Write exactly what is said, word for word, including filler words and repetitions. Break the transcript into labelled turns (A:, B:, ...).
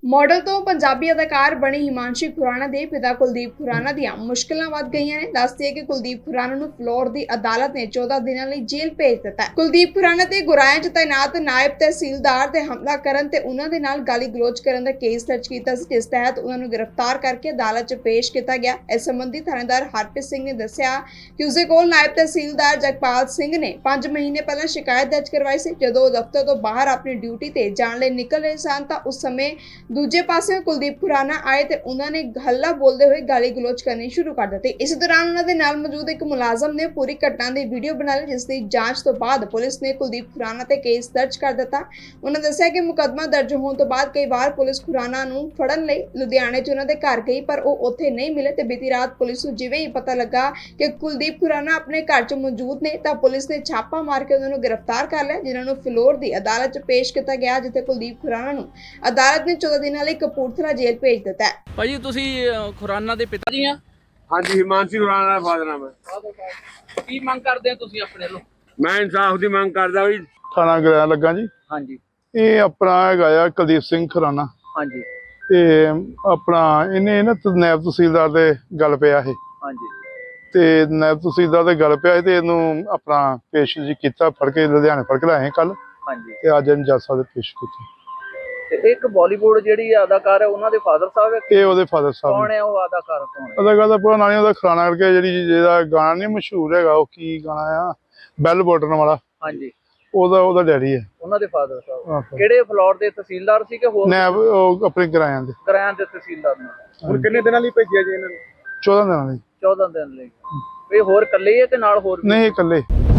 A: Model तो पंजाबी अदाकार बनी हिमांशी खुराना के पिता कुलदीप खुराना ਦੀਆਂ ਮੁਸ਼ਕਲਾਂ ਵੱਧ ਗਈਆਂ ਨੇ। ਦੱਸਦੀ ਹੈ ਕਿ ਕੁਲਦੀਪ ਖੁਰਾਨਾ ਨੂੰ ਫਲੋਰ ਦੀ ਅਦਾਲਤ ਨੇ ਚੌਦਾਂ ਦਿਨਾਂ ਲਈ ਜੇਲ੍ਹ ਭੇਜ ਦਿੱਤਾ ਹੈ। ਕੁਲਦੀਪ ਖੁਰਾਨਾ ਤੇ ਗੁਰਾਇਆ 'ਚ ਤਾਇਨਾਤ ਨਾਇਬ ਤਹਿਸੀਲਦਾਰ ਤੇ ਹਮਲਾ ਕਰਨ ਤੇ ਉਹਨਾਂ ਦੇ ਨਾਲ ਗਾਲੀ ਗਲੋਚ ਕਰਨ ਦਾ ਕੇਸ ਦਰਜ ਕੀਤਾ ਸੀ, ਜਿਸ ਤਹਿਤ ਉਹਨਾਂ ਨੂੰ ਗ੍ਰਿਫਤਾਰ ਕਰਕੇ ਅਦਾਲਤ 'ਚ ਪੇਸ਼ ਕੀਤਾ ਗਿਆ। ਇਸ ਸੰਬੰਧੀ ਥਾਣੇਦਾਰ ਹਰਪ੍ਰੀਤ ਸਿੰਘ ਨੇ ਦੱਸਿਆ ਕਿ ਉਸਦੇ ਕੋਲ ਨਾਇਬ ਤਹਿਸੀਲਦਾਰ ਜਗਪਾਲ ਸਿੰਘ ਨੇ ਪੰਜ ਮਹੀਨੇ ਪਹਿਲਾਂ ਸ਼ਿਕਾਇਤ ਦਰਜ ਕਰਵਾਈ ਸੀ। ਜਦੋਂ ਉਹ ਦਫ਼ਤਰ ਤੋਂ ਬਾਹਰ ਆਪਣੀ ਡਿਊਟੀ ਤੇ ਜਾਣ ਲਈ ਨਿਕਲ ਰਹੇ ਸਨ ਤਾਂ ਉਸ ਸਮੇਂ ਦੂਜੇ ਪਾਸੇ ਕੁਲਦੀਪ ਖੁਰਾਨਾ ਆਏ ਤੇ ਉਹਨਾਂ ਨੇ ਹੱਲਾ ਬੋਲਦੇ ਹੋਏ ਗਾਲੀ ਗਲੋਚ ਕਰਨੀ ਸ਼ੁਰੂ ਕਰ ਦਿੱਤੀ। ਇਸ ਦੌਰਾਨ ਉਹਨਾਂ ਦੇ ਨਾਲ ਮੌਜੂਦ ਇੱਕ ਮੁਲਾਜ਼ਮ ਨੇ ਪੂਰੀ ਘਟਨਾ ਦੀ ਵੀਡੀਓ ਬਣਾ ਲਈ, ਜਿਸ ਦੀ ਜਾਂਚ ਤੋਂ ਬਾਅਦ ਪੁਲਿਸ ਨੇ ਕੁਲਦੀਪ ਖੁਰਾਨਾ ਤੇ ਕੇਸ ਦਰਜ ਕਰ ਦਿੱਤਾ। ਉਹਨਾਂ ਦੱਸਿਆ ਕਿ ਮੁਕੱਦਮਾ ਦਰਜ ਹੋਣ ਤੋਂ ਬਾਅਦ ਕਈ ਵਾਰ ਪੁਲਿਸ ਖੁਰਾਨਾ ਨੂੰ ਫੜਨ ਲਈ ਲੁਧਿਆਣੇ 'ਚ ਉਹਨਾਂ ਦੇ ਘਰ ਗਈ, ਪਰ ਉਹ ਉੱਥੇ ਨਹੀਂ ਮਿਲੇ ਤੇ ਬੀਤੀ ਰਾਤ ਪੁਲਿਸ ਨੂੰ ਜਿਵੇਂ ਹੀ ਪਤਾ ਲੱਗਾ ਕਿ ਕੁਲਦੀਪ ਖੁਰਾਨਾ ਆਪਣੇ ਘਰ 'ਚ ਮੌਜੂਦ ਨੇ ਤਾਂ ਪੁਲਿਸ ਨੇ ਛਾਪਾ ਮਾਰ ਕੇ ਉਹਨਾਂ ਨੂੰ ਗ੍ਰਿਫਤਾਰ ਕਰ ਲਿਆ, ਜਿਨ੍ਹਾਂ ਨੂੰ ਫਲੋਰ ਦੀ ਅਦਾਲਤ 'ਚ ਪੇਸ਼ ਕੀਤਾ ਗਿਆ, ਜਿੱਥੇ ਕੁਲਦੀਪ ਖੁਰਾਨਾ ਨੂੰ ਅਦਾਲਤ ਨੇ ਚੌਦਾਂ ਦਿਨਾਂ ਲਈ ਕਪੂਰਥਲਾ ਜੇਲ੍ਹ ਭੇਜ ਦਿੱਤਾ ਹੈ।
B: ਭਾਜੀ ਤੁਸੀਂ ਖੁਰਾਨਾ ਦੇ ਪਿਤਾ ਜੀ ਆ?
C: ਹਾਂਜੀ, ਹਿਮਾਂਸ਼ੀ ਖੁਰਾਨਾ ਦਾ ਫਾਦਰ ਨਾਮ ਹੈ।
B: ਕੀ ਮੰਗ ਕਰਦੇ ਆ ਤੁਸੀਂ ਆਪਣੇ ਵੱਲੋਂ?
C: ਮੈਂ ਇਨਸਾਫ ਦੀ ਮੰਗ ਕਰਦਾ ਵੀ
D: ਥਾਣਾ ਗ੍ਰਹਿ ਲੱਗਾ ਜੀ।
B: ਹਾਂਜੀ
D: ਇਹ ਆਪਣਾ ਹੈਗਾ ਆ ਕੁਲਦੀਪ ਸਿੰਘ ਖੁਰਾਨਾ।
B: ਹਾਂਜੀ
D: ਤੇ ਆਪਣਾ ਇਹਨੇ ਨਾ ਨਾਇਬ ਤਹਿਸੀਲਦਾਰ ਦੇ ਗੱਲ ਪਿਆ ਇਹ
B: ਹਾਂਜੀ
D: ਤੇ ਨਾਇਬ ਤਹਿਸੀਲਦਾਰ ਦੇ ਗੱਲ ਪਿਆ ਤੇ ਇਹਨੂੰ ਆਪਣਾ ਪੇਸ਼ ਜੀ ਕੀਤਾ, ਫੜ ਕੇ ਲੁਧਿਆਣੇ ਫੜ ਕੇ ਲਾਏ ਕੱਲ
B: ਹਾਂਜੀ
D: ਤੇ ਅੱਜ ਇਹਨੂੰ ਜੱਜ ਸਾਹਿਬ ਦੇ ਪੇਸ਼ ਕੀਤਾ।
B: ਤੇ ਇੱਕ ਬਾਲੀਵੁੱਡ ਜਿਹੜੀ ਅਦਾਕਾਰ ਹੈ ਉਹਨਾਂ ਦੇ ਫਾਦਰ ਸਾਹਿਬ ਹੈ।
D: ਇਹ ਉਹਦੇ ਫਾਦਰ ਸਾਹਿਬ
B: ਕੌਣ ਹੈ ਉਹ ਅਦਾਕਾਰ? ਕੌਣ ਹੈ
D: ਅਦਾਕਾਰ ਦਾ ਪੂਰਾ ਨਾਂ ਨਹੀਂ ਉਹਦਾ, ਖੁਰਾਨਾ ਕਰਕੇ ਜਿਹੜੀ ਜਿਹਦਾ ਗਾਣਾ ਨਹੀਂ ਮਸ਼ਹੂਰ ਹੈਗਾ, ਉਹ ਕੀ ਗਾਣਾ ਆ, ਬੈਲ ਬਟਨ ਵਾਲਾ,
B: ਹਾਂਜੀ
D: ਉਹਦਾ ਉਹਦਾ ਡੈਡੀ ਹੈ।
B: ਉਹਨਾਂ ਦੇ ਫਾਦਰ ਸਾਹਿਬ
D: ਆਹੋ।
B: ਕਿਹੜੇ ਫਲੋਰ ਦੇ ਤਹਿਸੀਲਦਾਰ ਸੀ ਕਿ ਹੋਰ
D: ਨਾਇਬ ਉਹ ਆਪਣੇ ਕਿਰਾਇਆਂ ਦੇ
B: ਕਿਰਾਇਆਂ ਦੇ ਤਹਿਸੀਲਦਾਰ ਨੇ?
C: ਹੁਣ ਕਿੰਨੇ ਦਿਨਾਂ ਲਈ ਭੇਜਿਆ ਜੀ ਇਹਨਾਂ ਨੂੰ?
D: ਚੌਦਾਂ ਦਿਨਾਂ ਲਈ।
B: ਚੌਦਾਂ ਦਿਨ ਲਈ। ਵੀ ਹੋਰ ਇਕੱਲੇ ਹੀ ਹੈ ਤੇ ਨਾਲ ਹੋਰ ਵੀ?
D: ਨਹੀਂ, ਇਕੱਲੇ।